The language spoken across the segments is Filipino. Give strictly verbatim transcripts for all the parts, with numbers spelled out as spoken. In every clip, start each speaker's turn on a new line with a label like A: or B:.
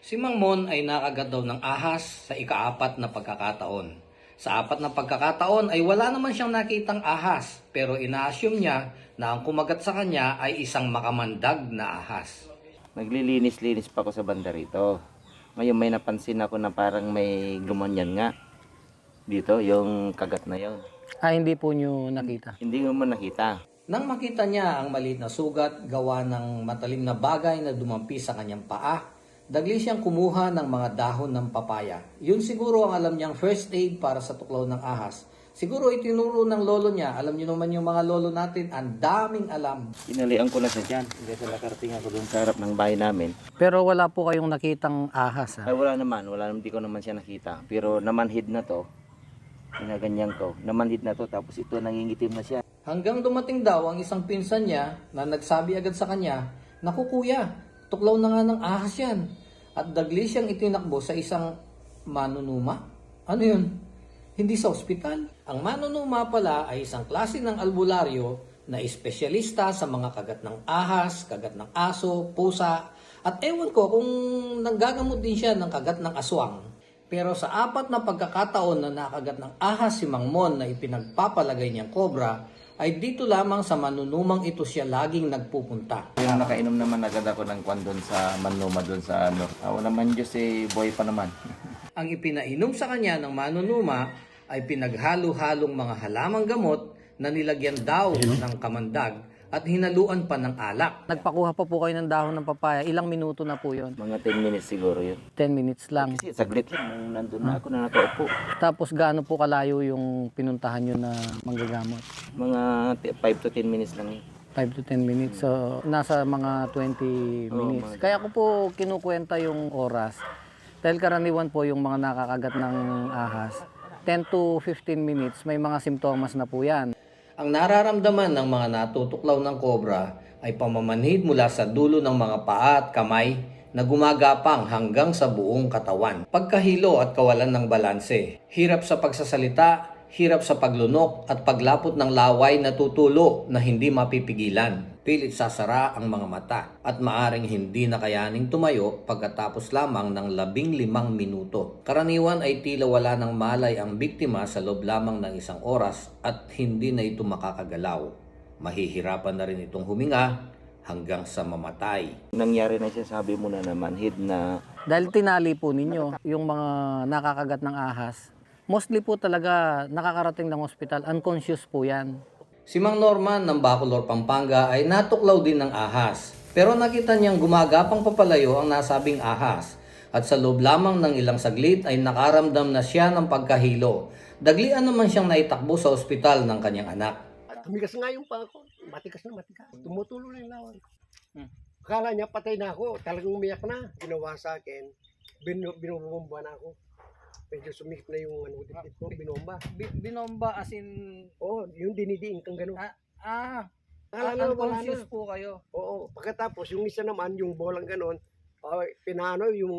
A: Si Mang Mon ay nakagat daw ng ahas sa ikaapat na pagkakataon. Sa apat na pagkakataon ay wala naman siyang nakitang ahas, pero ina-assume niya na ang kumagat sa kanya ay isang makamandag na ahas.
B: Naglilinis-linis pa ako sa banda rito. Ngayon may napansin ako na parang may gumanyan nga. Dito, yung kagat na yon.
C: Ah, hindi po nyo nakita.
B: Hindi mo man nakita.
A: Nang makita niya ang maliit na sugat gawa ng matalim na bagay na dumampi sa kanyang paa, dagli siyang kumuha ng mga dahon ng papaya. Yun siguro ang alam niyang first aid para sa tuklaw ng ahas. Siguro itinuro ng lolo niya. Alam niyo naman yung mga lolo natin, ang daming alam.
B: Inalian ko na siya dyan. Kasi nakarating ako dun sa harap ng bahay namin.
C: Pero wala po kayong nakitang ahas,
B: Ay
C: ha?
B: wala naman. Wala naman. Di ko naman siya nakita. Pero namanhid na to. Ginaganyan ko. Namanhid na to. Tapos ito nangingitim na siya.
A: Hanggang dumating daw ang isang pinsan niya na nagsabi agad sa kanya, "Naku kuya, tuklaw na nga ng ahas yan." At dagli siyang itinakbo sa isang manunuma. Ano yun? Hindi sa ospital. Ang manunuma pala ay isang klase ng albularyo na espesyalista sa mga kagat ng ahas, kagat ng aso, pusa, at ewan ko kung nanggagamot din siya ng kagat ng aswang. Pero sa apat na pagkakataon na nakagat ng ahas si Mang Mon na ipinagpapalagay niyang kobra, ay dito lamang sa manunumang ito siya laging nagpupunta.
B: Yung nakainom naman agad ako ng kwan doon sa manuma doon sa ano. Ako naman Diyos eh, boy pa naman.
A: Ang ipinainom sa kanya ng manunuma ay pinaghalo-halong mga halamang gamot na nilagyan daw ng kamandag at hinaluan pa ng alak.
C: Nagpakuha pa po kayo ng dahon ng papaya. Ilang minuto na po yon?
B: Mga ten minutes siguro yun.
C: ten minutes lang.
B: Kasi saglit lang nung nandun na ako na nakaupo.
C: Tapos gaano po kalayo yung pinuntahan nyo na manggagamot?
B: Mga five to ten minutes lang yun.
C: five to ten minutes. So, nasa mga twenty minutes.
B: mga-
C: Kaya ko po kinukwenta yung oras. Dahil karaniwan po yung mga nakakagat ng ahas, ten to fifteen minutes, may mga simptomas na po yan.
A: Ang nararamdaman ng mga natutuklaw ng kobra ay pamamanhid mula sa dulo ng mga paa at kamay na gumagapang hanggang sa buong katawan. Pagkahilo at kawalan ng balanse, hirap sa pagsasalita, hirap sa paglunok at paglapot ng laway na tutulo na hindi mapipigilan. Pilit sasara ang mga mata at maaring hindi na kayaning tumayo pagkatapos lamang ng labing limang minuto. Karaniwan ay tila wala ng malay ang biktima sa loob lamang ng isang oras at hindi na ito makakagalaw. Mahihirapan na rin itong huminga hanggang sa mamatay.
B: Nangyari na siya, sabi mo na naman, hid na
C: Dahil tinali po ninyo yung mga nakakagat ng ahas, mostly po talaga nakakarating ng ospital, unconscious po yan.
A: Si Mang Norman ng Bacolor, Pampanga ay natuklaw din ng ahas. Pero nakita niyang gumagapang papalayo ang nasabing ahas. At sa loob lamang ng ilang saglit ay nakaramdam na siya ng pagkahilo. Daglian naman siyang naitakbo sa ospital ng kanyang anak.
D: At tumigas nga yung paa ko. Matigas na matigas. Tumutulo na yung lawan ko.
C: Hmm.
D: Akala niya patay na ako. Talagang umiyak na. Ginawa sa akin. Bin binubomba na ako. Medyo sumikip na yung ano, dipit ko. Binomba.
C: binomba as in,
D: Oo, yung dinidiin kang gano'n.
C: ah, ah
D: Akala na wala na.
C: po kayo.
D: Oo, pagkatapos yung isa naman, yung bolang gano'n, uh, pinano yung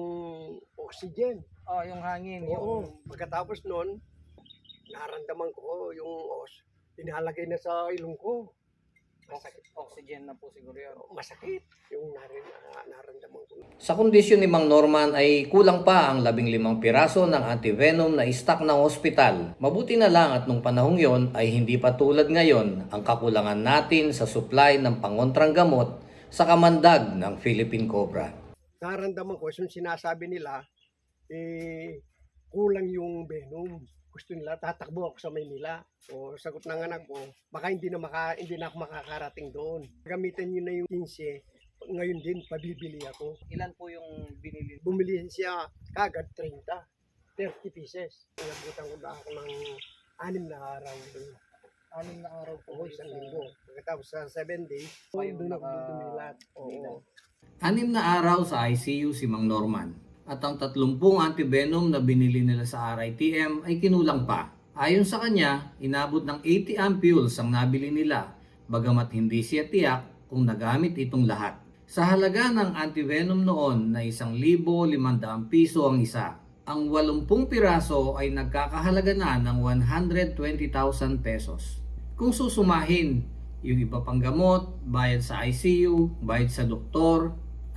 D: oxygen.
C: Oh, yung hangin,
D: Oo, pagkatapos nun, naramdaman ko yung os. Pinalagay na sa ilong ko. Masakit.
C: oxygen na po siguro yun.
D: Masakit yung narin, uh, naramdaman ko.
A: Sa kondisyon ni Mang Norman ay kulang pa ang labing limang piraso ng antivenom na stock ng ospital. Mabuti na lang at nung panahong yon ay hindi pa tulad ngayon ang kakulangan natin sa supply ng pangontrang gamot sa kamandag ng Philippine Cobra.
D: Naramdaman ko, yung sinasabi nila, eh, kulang yung venom. Gusto nila, tatakbo ako sa Maynila. O sagot ng anak ko, baka hindi na, maka, hindi na ako makakarating doon. Gamitan nyo na yung fifteen, ngayon din, pabibili ako.
C: Ilan po yung binili?
D: Bumili siya kagad thirty, thirty pieces. Inabutan ko na ako ng anim na araw doon.
C: Anim na araw po.
D: Oo, isang linggo. Pagkatapos sa seven days, doon ako dumilat. Oo.
A: Anim na araw sa I C U si Mang Norman. At ang tatlumpung antivenom na binili nila sa R I T M ay kinulang pa. Ayon sa kanya, inabot ng eighty ampules ang nabili nila, bagamat hindi siya tiyak kung nagamit itong lahat. Sa halaga ng antivenom noon na isang libo limandang piso ang isa, ang walumpung piraso ay nagkakahalaga na ng one hundred twenty thousand pesos. Kung susumahin, yung iba pang gamot, bayad sa I C U, bayad sa doktor,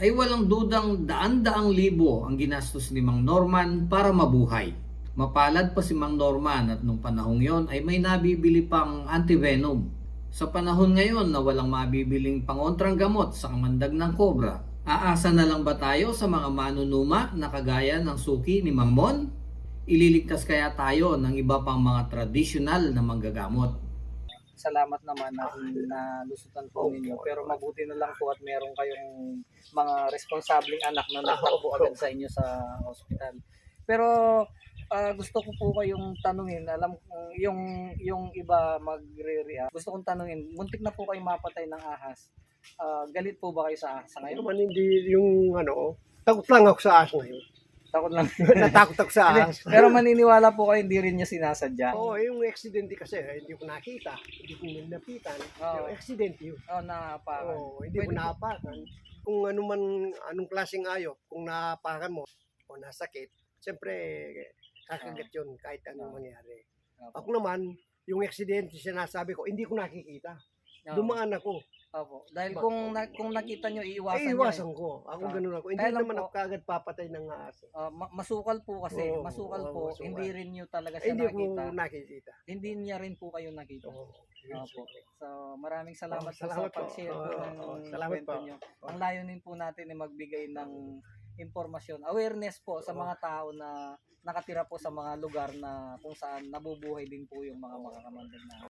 A: ay walang dudang daan-daang libo ang ginastos ni Mang Norman para mabuhay. Mapalad pa si Mang Norman at nung panahong yon ay may nabibili pang antivenom. Sa panahon ngayon na walang mabibiling pangontrang gamot sa kamandag ng kobra, aasa na lang ba tayo sa mga manunuma na kagaya ng suki ni Mang Mon? Ililigtas kaya tayo ng iba pang mga tradisyonal na manggagamot?
C: Salamat naman na nalusutan po ninyo. Pero mabuti na lang po at meron kayong mga responsabling anak na nagtakbo agad sa inyo sa ospital. Pero ah, gusto ko po kayong tanungin, alam kong yung yung iba magre-react. Gusto kong tanungin, muntik na po kayong mapatay ng ahas. Ah, galit po ba kayo sa ahas sa
D: Ano
C: ngayon?
D: man hindi yung ano, takot lang ako sa ahas ngayon.
C: Takot lang.
D: Natakot ako sa ahas.
C: Pero maniniwala po kayo hindi rin niya sinasadya.
D: Oo, yung aksidente kasi, eh, hindi ko nakita. Hindi ko nilapitan.
C: Oo.
D: Yung aksidente yun.
C: Oh, napakan.
D: Oo, hindi ko
C: Pwede po-
D: nahapakan. Kung ano man, anong klaseng ayop, kung nahapakan mo o nasakit, siyempre, kakagat yun kahit anong
C: Oo.
D: mangyari.
C: Opo.
D: Ako naman, yung aksidente sinasabi ko, hindi ko nakikita.
C: Oo.
D: Dumaan ako.
C: Opo. Dahil
D: Ba-
C: kung na, kung nakita nyo, iiwasan
D: Eh,
C: nyo. eh.
D: iwasan ko. Ako
C: Ah.
D: ganun ako. Hindi
C: Kaya lang
D: naman
C: po-
D: ako kagad papatay ng ahas.
C: Ah, ma- masukal po kasi,
D: Oo,
C: masukal
D: oo,
C: po,
D: masukal.
C: hindi rin nyo talaga
D: Eh,
C: siya
D: hindi ko
C: nakita.
D: nakikita.
C: Hindi niya rin po kayo nakita.
D: Oo.
C: Opo. So, maraming salamat
D: Oo,
C: po
D: salamat
C: sa
D: po.
C: pag-share po
D: Oo,
C: ng
D: oo, salamat
C: kwento
D: po.
C: nyo. Ang layunin po natin ay magbigay ng impormasyon, awareness po sa mga tao na nakatira po sa mga lugar na kung saan nabubuhay din po yung mga makakamandag na